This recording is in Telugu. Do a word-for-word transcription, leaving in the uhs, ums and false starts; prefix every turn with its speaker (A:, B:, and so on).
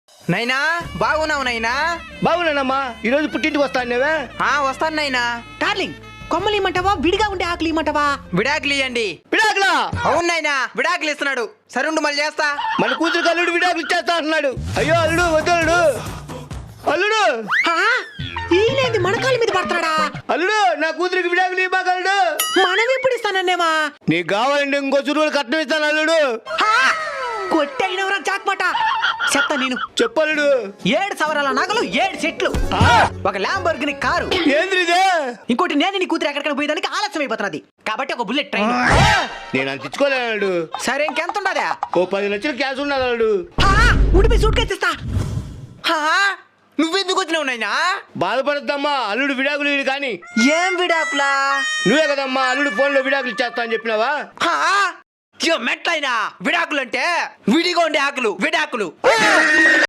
A: నైనా బాగున్నావు నైనా?
B: బాగున్నానమ్మా. ఈరోజు పుట్టింటికి వస్తాను నేవే.
A: ఆ వస్తాను నైనా.
C: డార్లింగ్ కొమ్మలు ఇమ్మంటావా విడిగా ఉండే ఆకులు ఇమ్మంటావా?
A: విడాకులు ఇవ్వండి.
B: విడాకులా?
A: అవును నైనా, విడాకులు ఇస్తున్నాడు. సరుండు మళ్ళీ చేస్తా.
B: మన కూతురు అల్లుడు విడాకులు ఇచ్చేస్తా అంటున్నాడు. అయ్యో అల్లుడు వద్దు అల్లుడు. అల్లుడు
C: ఆ, ఈయనేంది మన కాళ్ళ మీద పడతాడా?
B: అల్లుడు నా కూతురికి విడాకులు ఇవ్వక అల్లుడు.
C: మనం ఎప్పుడు ఇస్తానన్నేమా?
B: నీకు కావాలంటే ఇంకో చురువులు కట్నం ఇస్తాను అల్లుడు.
C: కొట్టగినవరా జాక్పాట. చెప్తా నేను.
B: చెప్పల్లుడు.
C: ఏడు సవరాల నగలు, ఏడు చెట్లు, ఒక ల్యాంబోర్గిని కారు,
B: ఏంద్రి ఇదే?
C: ఇంకోటి నేను నీ కూతురు ఎక్కడికైనా పోయేదానికి ఆలస్యం అయిపోతున్నది కాబట్టి ఒక బుల్లెట్ ట్రైన్.
B: నేను అంత ఇచ్చుకోలేను అల్లుడు.
C: సరే ఇంకెంత ఉండదా?
B: ఓ పది లక్షలు క్యాష్ ఉన్నది అల్లుడు.
C: ఉడిపి సూట్ కేసు ఇస్తా.
A: నువ్వెందుకు వచ్చినావు నైనా?
B: బాధపడద్దమ్మా, అల్లుడు విడాకులు ఇవ్వడు కానీ.
A: ఏం విడాకులా?
B: నువ్వే కదమ్మా అల్లుడు ఫోన్ లో విడాకులు ఇచ్చేస్తా అని చెప్పినావా?
A: మెట్లైనా విడాకులు అంటే విడిగా ఉండే ఆకులు విడాకులు.